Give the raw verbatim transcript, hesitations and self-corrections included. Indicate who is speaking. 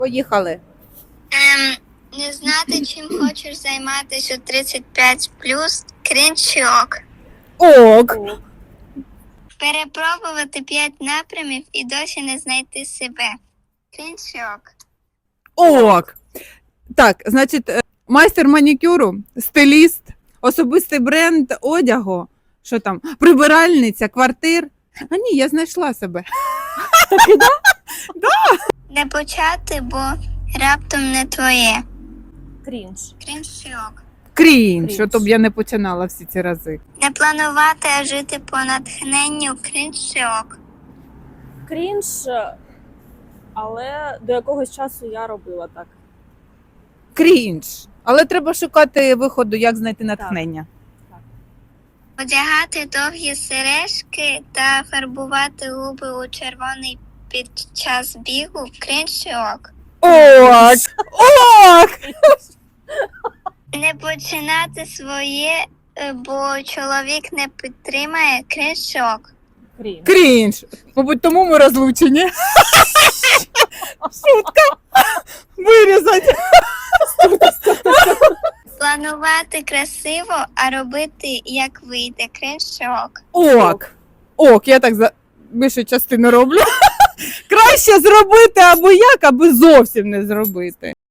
Speaker 1: Поїхали.
Speaker 2: Ем, не знати, чим хочеш займатися у тридцять п'ять плюс, крінж-шок.
Speaker 1: Ок.
Speaker 2: Перепробувати п'ять напрямів і досі не знайти себе. Крінж-шок.
Speaker 1: Ок. Так, значить, е, майстер манікюру, стиліст, особистий бренд одягу, що там, прибиральниця, квартир. А ні, я знайшла себе.
Speaker 2: Не почати, бо раптом не твоє.
Speaker 3: Крінж.
Speaker 2: Крінж-шок.
Speaker 1: Крінж,
Speaker 3: Крінж.
Speaker 1: що то б я не починала всі ці рази.
Speaker 2: Не планувати, а жити по натхненню. Крінж-шок.
Speaker 3: Крінж, але до якогось часу я робила так.
Speaker 1: Крінж. Але треба шукати виходу, як знайти натхнення.
Speaker 2: Одягати довгі сережки та фарбувати губи у червоний під час бігу. Крінж-шок.
Speaker 1: Ок! Ок!
Speaker 2: Не починати своє, е, бо чоловік не підтримає. Крінж-шок.
Speaker 3: Крінж.
Speaker 1: Крінж. Мабуть, тому ми розлучені. Шутка. Вирізати.
Speaker 2: Планувати красиво, а робити як вийде. Крінж-шок.
Speaker 1: Ок. Ок, я так за більшу частину роблю. Краще зробити або як, аби зовсім не зробити.